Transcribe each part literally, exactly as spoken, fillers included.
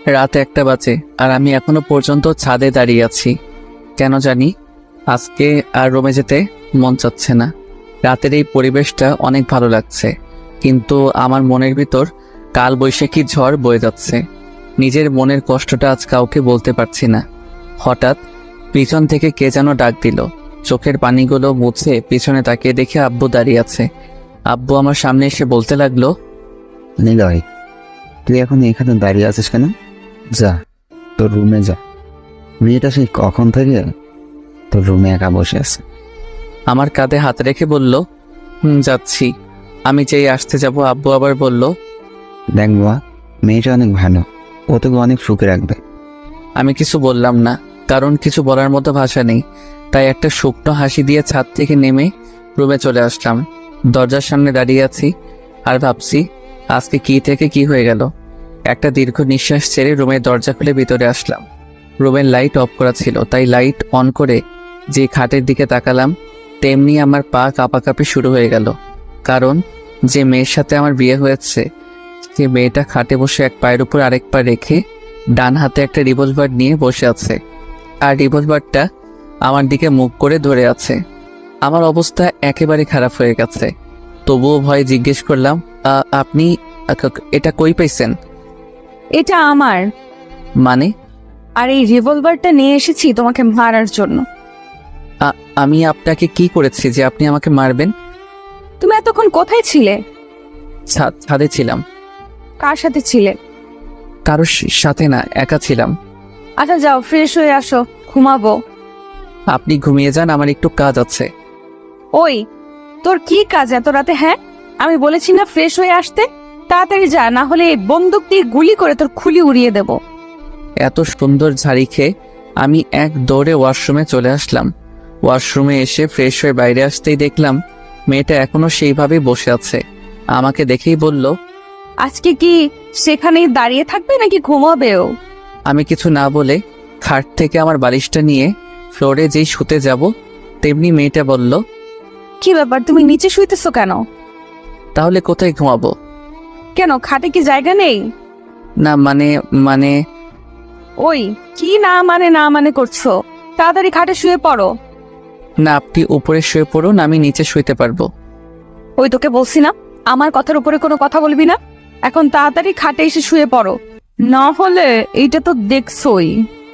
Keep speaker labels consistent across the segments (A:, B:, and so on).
A: রাত একটা বাজে আর আমি এখনো পর্যন্ত ছাদে দাঁড়িয়ে আছি। কেন জানি আজকে আর রুমে যেতে মন চাচ্ছে না। রাতের এই পরিবেশটা অনেক ভালো লাগছে, কিন্তু আমার মনের ভিতর কাল বৈশাখী ঝড় বয়ে যাচ্ছে। নিজের মনের কষ্টটা আজ কাউকে বলতে পারছি না। হঠাৎ পিছন থেকে কে যেন ডাক দিল। চোখের পানিগুলো মুছে পিছনে তাকিয়ে দেখে আব্বু দাঁড়িয়ে আছে। আব্বু আমার সামনে এসে বলতে লাগলো,
B: নিলয়, তুই এখন এখানে দাঁড়িয়ে আছিস কেন? যা, তোর রুমে যা। মেয়েটা সেই কখন থেকে তোর রুমে একা বসে আছে।
A: আমার কাঁধে হাত রেখে বলল, হুম যাচ্ছি। আমি যেই আসতে যাব আব্বু আবার বলল,
B: দেখ বাবা, মেয়েটা অনেক ভালো, ও তোকে অনেক সুখে রাখবে।
A: আমি কিছু বললাম না, কারণ কিছু বলার মতো ভাষা নেই। তাই একটা শুকনো হাসি দিয়ে ছাদ থেকে নেমে রুমে চলে আসলাম। দরজার সামনে দাঁড়িয়ে আছি আর ভাবছি আজকে কি থেকে কি হয়ে গেল। একটা দীর্ঘ নিঃশ্বাস ছেড়ে রুমের দরজা খুলে ভিতরে আসলাম। রুমের লাইট অফ করা ছিল, তাই লাইট অন করে যে খাটের দিকে তাকালাম, তেমনি আমার পা কাঁপাকাঁপি শুরু হয়ে গেল। কারণ যে মেয়ের সাথে আমার বিয়ে হয়েছে, সে মেয়েটা খাটে বসে এক পায়ের উপর আরেক পা রেখে ডান হাতে একটা রিভলভার নিয়ে বসে আছে, আর রিভলভারটা আমার দিকে মুখ করে ধরে আছে। আমার অবস্থা একেবারে খারাপ হয়ে গেছে। তবুও ভয়ে জিজ্ঞেস করলাম, "আ- আপনি আ- এটা কই পাইছেন?"
C: এটা আমার।
A: মানে?
C: আর এই রিভলভারটা নিয়ে এসেছি তোমাকে মারার জন্য।
A: আ- আমি আপনাকে কি করেছি যে আপনি আমাকে মারবেন?
C: তুমি এতক্ষণ কোথায় ছিলে?
A: ছা- ছাদে ছিলাম।
C: কার সাথে ছিলে?
A: কারোর স- সাথে না, একা ছিলাম।
C: আচ্ছা যাও, ফ্রেশ হয়ে আসো, ঘুমাবো।
A: আপনি ঘুমিয়ে যান, আমার একটু কাজ আছে।
C: ওই, তোর কি কাজ এত রাতে? হ্যাঁ, আমি বলেছি না ফ্রেশ হয়ে আসতে? তাড়াতাড়ি যা, না হলে এই বন্দুক দিয়ে গুলি করে তোর খুলি উড়িয়ে দেব।
A: এত সুন্দর ঝাড়ি খেয়ে আমি এক দৌড়ে ওয়াশরুমে চলে আসলাম। ওয়াশরুমে এসে ফ্রেশ হয়ে বাইরে আসতেই দেখলাম মেয়েটা এখনো সেইভাবেই বসে আছে। আমাকে দেখেই বলল,
C: আজকে কি সেখানেই দাঁড়িয়ে থাকবে নাকি ঘুমাবেও?
A: আমি কিছু না বলে খাট থেকে আমার বালিশটা নিয়ে ফ্লোরে যেই শুতে যাব, তেমনি মেয়েটা বলল,
C: কি ব্যাপার, তুমি নিচে শুইতেছো কেন?
A: তাহলে কোথায় ঘুমাবো?
C: কেন, খাটে কি জায়গা নেই?
A: না মানে মানে
C: ওই, কি না মানে না মানে করছো? তাড়াতাড়ি খাটে শুয়ে পড়ো।
A: না, আপনি উপরে শুয়ে পড়ুন, আমি নিচে শুইতে পারবো।
C: ওই, তোকে বলছি না আমার কথার উপরে কোনো কথা বলবি না। এখন তাড়াতাড়ি খাটে এসে শুয়ে পড়ো, না হলে এইটা তো দেখছোই।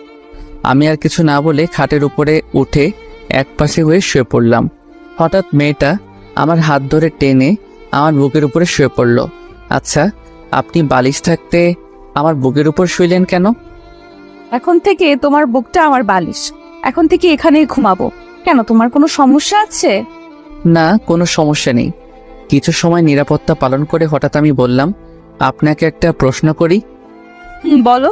A: আমি আর কিছু না বলে খাটের উপরে উঠে এক পাশে হয়ে শুয়ে পড়লাম। হঠাৎ মেয়েটা আমার হাত ধরে টেনে আমার বুকের উপরে শুয়ে পড়ল। আচ্ছা, আপনি বালিশ থাকতে আমার বুকের উপর শুইলেন কেন?
C: এখন থেকে তোমার বুকটা আমার বালিশ, এখন থেকে এখানেই ঘুমাবো। কেন, তোমার কোনো সমস্যা আছে?
A: না, কোনো সমস্যা নেই। কিছু সময় নিরাপত্তা পালন করে হঠাৎ আমি বললাম, আপনাকে একটা প্রশ্ন করি।
C: হুম, বলো।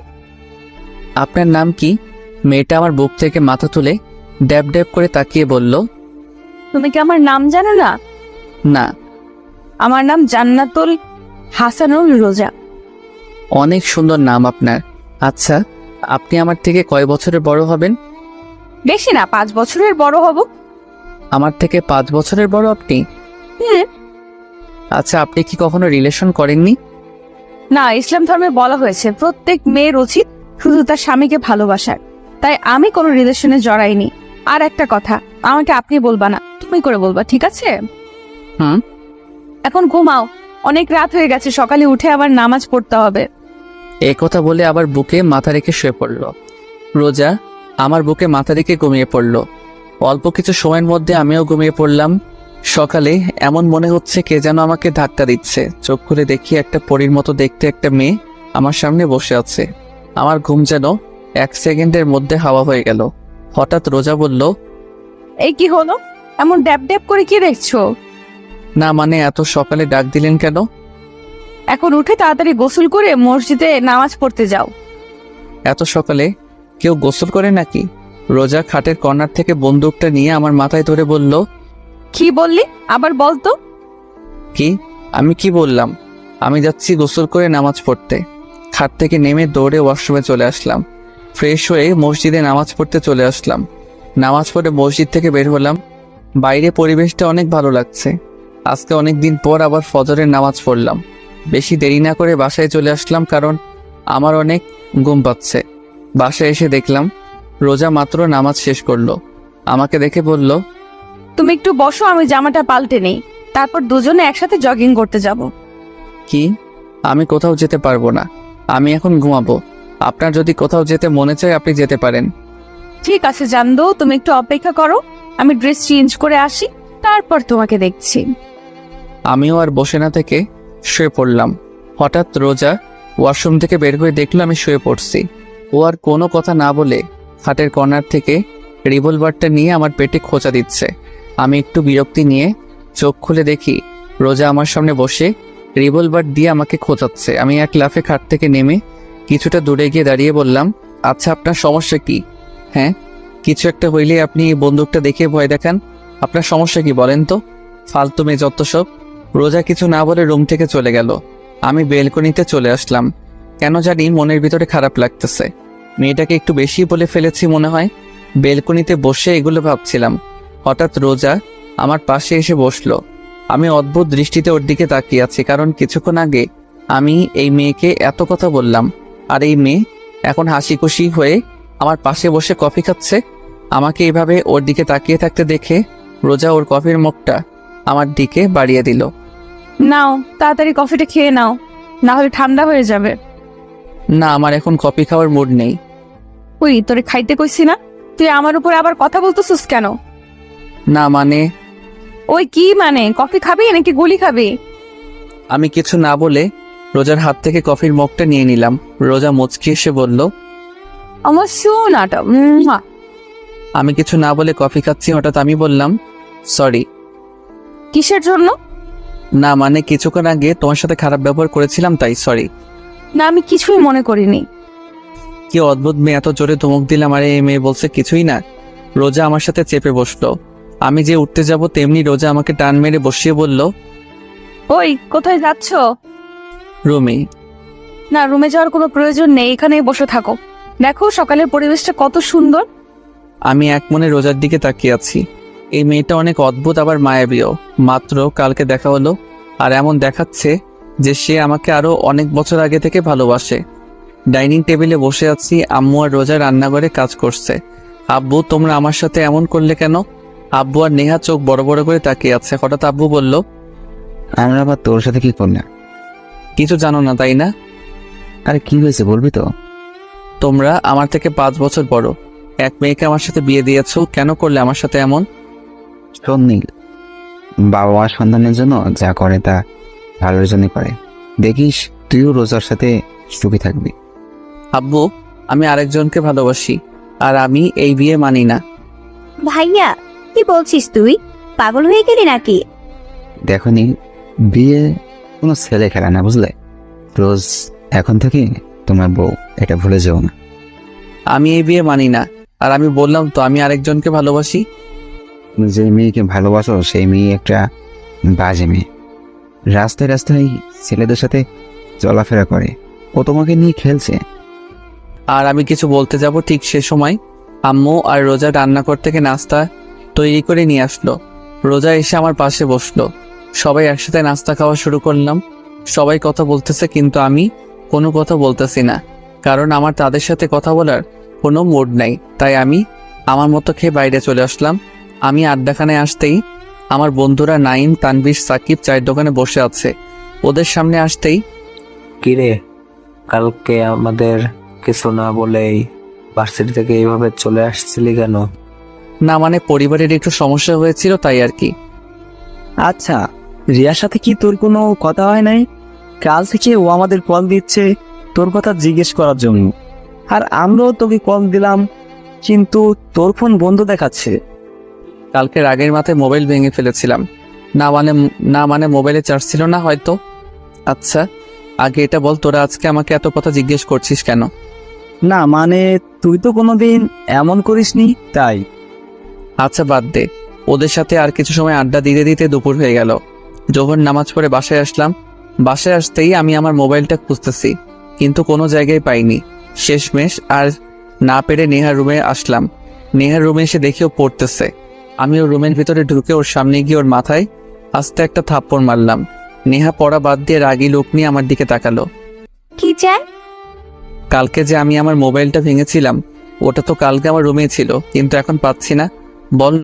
A: আপনার নাম কি? মেয়েটা আমার বুক থেকে মাথা তুলে ড্যাব ড্যাব করে তাকিয়ে বলল,
C: তুমি কি আমার নাম জানো না?
A: না।
C: আমার নাম জান্নাতুল হাসানুল রোজা।
A: অনেক সুন্দর নাম আপনার। আচ্ছা, আপনি আমার থেকে কয় বছরের বড় হবেন?
C: বেশি না, পাঁচ বছরের বড় হব।
A: আমার থেকে পাঁচ বছরের বড় আপনি?
C: হুম।
A: আচ্ছা, আপনি কি কখনো রিলেশন করেননি?
C: না, ইসলাম ধর্মে বলা হয়েছে প্রত্যেক মেয়ের উচিত শুধু তার স্বামীকে ভালোবাসার। তাই আমি কোনো রিলেশনে জড়াইনি। আর একটা কথা, আমাকে আপনি বলবা না, তুমি করে বলবা, ঠিক আছে?
A: হুম।
C: এখন ঘুমাও, অনেক রাত হয়ে গেছে, সকালে উঠে আবার নামাজ পড়তে হবে।
A: এই কথা বলে আবার বুকে মাথা রেখে শুয়ে পড়ল। রোজা আমার বুকে মাথা রেখে ঘুমিয়ে পড়ল। অল্প কিছু সময়ের মধ্যে আমিও ঘুমিয়ে পড়লাম। সকালে এমন মনে হচ্ছে কে যেন আমাকে ধাক্কা দিচ্ছে। চোখ খুলে দেখি একটা পরীর মতো দেখতে একটা মেয়ে আমার সামনে বসে আছে। আমার ঘুম যেন এক সেকেন্ডের মধ্যে হাওয়া হয়ে গেল। হঠাৎ রোজা বলল,
C: এই কি হলো, এমন ড্যাব ড্যাব করে কি দেখছো?
A: না মানে এত সকালে ডাক দিলেন কেন?
C: এখন উঠে তাড়াতাড়ি গোসল করে মসজিদে নামাজ পড়তে যাও।
A: এত সকালে কেউ গোসল করে নাকি? রোজা খাটের কর্নার থেকে বন্দুকটা নিয়ে আমার মাথায় ধরে বলল,
C: কি বললি, আবার বলতো?
A: কি? আমি কি বললাম? আমি যাচ্ছি গোসল করে নামাজ পড়তে। খাট থেকে নেমে দৌড়ে ওয়াশরুমে চলে আসলাম। ফ্রেশ হয়ে মসজিদে নামাজ পড়তে চলে আসলাম। নামাজ পড়ে মসজিদ থেকে বের হলাম। বাইরে পরিবেশটা অনেক ভালো লাগছে। আজকে অনেক দিন পর আবার ফজরের নামাজ পড়লাম। বেশি দেরি না করে বাসায় চলে আসলাম, কারণ আমার অনেক ঘুম পাচ্ছে। বাসায় এসে দেখলাম রোজা মাত্র নামাজ শেষ করলো। আমাকে দেখে বলল,
C: তুমি একটু বসো, আমি জামাটা পাল্টে নেই, তারপর দুজনে একসাথে জগিং করতে যাব।
A: কি? আমি কোথাও যেতে পারবো না, আমি এখন ঘুমাবো। আপনার যদি কোথাও যেতে মনে চায় আপনি যেতে পারেন।
C: ঠিক আছে জানদো, তুমি একটু অপেক্ষা করো, আমি ড্রেস চেঞ্জ করে আসি, তারপর তোমাকে দেখছি।
A: আমিও আর বসে না থেকে শুয়ে পড়লাম। হঠাৎ রোজা ওয়াশরুম থেকে বের হয়ে দেখলো আমি শুয়ে পড়ছি। ও আর কোনো কথা না বলে খাটের কর্নার থেকে রিভলভারটা নিয়ে আমার পেটে খোঁচা দিচ্ছে। আমি একটু বিরক্তি নিয়ে চোখ খুলে দেখি রোজা আমার সামনে বসে রিভলভার দিয়ে আমাকে খোঁচাচ্ছে। আমি এক লাফে খাট থেকে নেমে কিছুটা দূরে গিয়ে দাঁড়িয়ে বললাম, আচ্ছা আপনার সমস্যা কি? হ্যাঁ, কিছু একটা হইলে আপনি এই বন্দুকটা দেখে ভয় দেখান, আপনার সমস্যা কি বলেন তো? ফালতু মেয়ে যত সব। রোজা কিছু না বলে রুম থেকে চলে গেল। আমি বেলকনিতে চলে আসলাম। কেন জানি মনের ভিতরে খারাপ লাগতেছে। মেয়েটাকে একটু বেশি বলে ফেলেছি মনে হয়। বেলকনিতে বসে এগুলো ভাবছিলাম। হঠাৎ রোজা আমার পাশে এসে বসলো। আমি অদ্ভুত দৃষ্টিতে ওর দিকে তাকিয়ে আছি, কারণ কিছুক্ষণ আগে আমি এই মেয়েকে এত কথা বললাম, আর এই মেয়ে এখন হাসি খুশি হয়ে আমার পাশে বসে কফি খাচ্ছে। আমাকে এইভাবে ওর দিকে তাকিয়ে থাকতে দেখে রোজা ওর কফির মুখটা আমার দিকে বাড়িয়ে দিল।
C: নাও তাড়াতাড়ি কফিটা খেয়ে নাও, না হলে ঠান্ডা হয়ে যাবে।
A: না, আমার এখন কফি খাওয়ার মুড নেই।
C: ওই তোরে খাইতে কইছি না, তুই আমার উপরে আবার কথা বলতেছিস কেন?
A: না মানে,
C: ওই কি মানে, কফি খাবি নাকি গুলি খাবি?
A: আমি কিছু না বলে রোজার হাত থেকে কফির মগটা নিয়ে নিলাম। রোজা মুচকি এসে বলল,
C: আমার সোনাটা।
A: আমি কিছু না বলে কফি খাচ্ছি। হঠাৎ আমি বললাম, সরি।
C: কিসের জন্য?
A: না মানে, কিছুক্ষণ আগে তোমার সাথে খারাপ ব্যবহার করেছিলাম তাই সরি।
C: না, আমি কিছুই মনে করিনি।
A: কি অদ্ভুত মেয়ে, এত জোরে ধমক দিলাম আর এই মেয়ে বলছে কিছুই না। রোজা আমার সাথে চেপে বসলো। আমি যে উঠতে যাব তেমনি রোজা আমাকে টান মেরে বসিয়ে বলল,
C: ওই কোথায় যাচ্ছ?
A: রুমি।
C: না, রুমে যাওয়ার কোনো প্রয়োজন নেই, এখানেই বসে থাকো। দেখো সকালের পরিবেশটা কত সুন্দর।
A: আমি এক মনে রোজার দিকে তাকিয়ে আছি। এই মেয়েটা অনেক অদ্ভুত, আবার মায়াবীও। মাত্র কালকে দেখা হলো, আর এমন দেখাচ্ছে যে সে আমাকে আরো অনেক বছর আগে থেকে ভালোবাসে। ডাইনিং টেবিলে বসে আছি, আম্মু আর রোজা রান্নাঘরে কাজ করছে। আব্বু, তোমরা আমার সাথে এমন করলে কেন? আব্বু আর নেহা চোখ বড় বড় করে তাকিয়ে আছে। হঠাৎ আব্বু বলল,
B: আমরা আবার তোর সাথে কি করলাম?
A: কিছু জানো না তাই না?
B: আরে কি হয়েছে বলবি তো?
A: তোমরা আমার থেকে পাঁচ বছর বড়, এক মেয়েকে আমার সাথে বিয়ে দিয়েছো, কেন করলে আমার সাথে এমন?
B: শোন নীল, বাবা মা সন্তানের জন্য যা করে তা ভালোর জন্য করে। দেখিস তুইও রোজার সাথে সুখী থাকবি।
A: আব্বু, আমি আরেকজনকে ভালোবাসি, আর আমি এই বিয়ে মানি না।
D: ভাইয়া, কি বলছিস তুই? পাগল হয়ে গেলি নাকি?
B: দেখো নীল, বিয়ে কোনো ছেলে খেলা না, বুঝলে? রোজ এখন থেকে তোমার বউ, এটা ভুলে যেও না।
A: আমি এই বিয়ে মানি না, আর আমি বললাম তো আমি আরেকজনকে ভালোবাসি।
B: তুমি যে মেয়েকে ভালোবাসো সেই মেয়ে একটা বাজে মেয়ে। রাস্তায় রাস্তায় ছেলেদের সাথে চলাফেরা করে, ও তোমাকে নিয়ে খেলছে।
A: আর আমি কিছু বলতে যাব ঠিক সে সময় আম্মু আর রোজা রান্নাঘর থেকে নাস্তা তৈরি করে নিয়ে আসলো। রোজা এসে আমার পাশে বসলো। সবাই একসাথে নাস্তা খাওয়া শুরু করলাম। সবাই কথা বলতেছে, কিন্তু আমি কোনো কথা বলতেছি না, কারণ আমার তাদের সাথে কথা বলার কোনো মুড নাই। তাই আমি আমার মতো খেয়ে বাইরে চলে আসলাম। আমি আড্ডাখানায় আসতেই আমার বন্ধুরা নাইম, তানভীর, সাকিব চায়ের দোকানে বসে আছে। ওদের সামনে আসতেই,
E: কিরে, কালকে আমাদের কিছু না বলেই ভার্সিটি থেকে এইভাবে চলে আসছিলি কেন?
A: না মানে, পরিবারের একটু সমস্যা হয়েছিল তাই আর কি।
F: আচ্ছা, রিয়ার সাথে কি তোর কোনো কথা হয় নাই? কাল থেকে ও আমাদের কল দিচ্ছে তোর কথা জিজ্ঞেস করার জন্য, আর আমরাও তোকে কল দিলাম, কিন্তু তোর ফোন বন্ধ দেখাচ্ছে।
A: কালকে রাগের মাথায় মোবাইল ভেঙে ফেলেছিলাম। না মানে না মানে মোবাইলে চার্জ ছিল না হয়তো। আচ্ছা, আগে এটা বল, তোরা আজকে আমাকে এত কথা জিজ্ঞেস করছিস কেন?
F: না মানে, তুই তো কোনোদিন এমন করিসনি তাই।
A: আচ্ছা বাদ দে, ওদের সাথে আর কিছু সময় আড্ডা দিতে দিতে দুপুর হয়ে গেল। জোহর নামাজ পড়ে বাসায় আসলাম। বাসায় আসতেই আমি আমার মোবাইলটা খুঁজতেছি, কিন্তু কোনো জায়গায় পাইনি। শেষমেশ আর না পেরে নেহার রুমে আসলাম। নেহার রুমে এসে দেখি ও পড়তেছে। আমি ওর রুমের ভিতরে ঢুকে ওর সামনে গিয়ে ওর মাথায় আস্তে একটা থাপ্পড় মারলাম। নেহা পড়া বাদ দিয়ে রাগী লোক নিয়ে আমার দিকে তাকালো।
D: কি চাই?
A: কালকে যে আমি আমার মোবাইলটা ভেঙেছিলাম ওটা তো কালকে আমার রুমে ছিল, কিন্তু এখন পাচ্ছি না। বল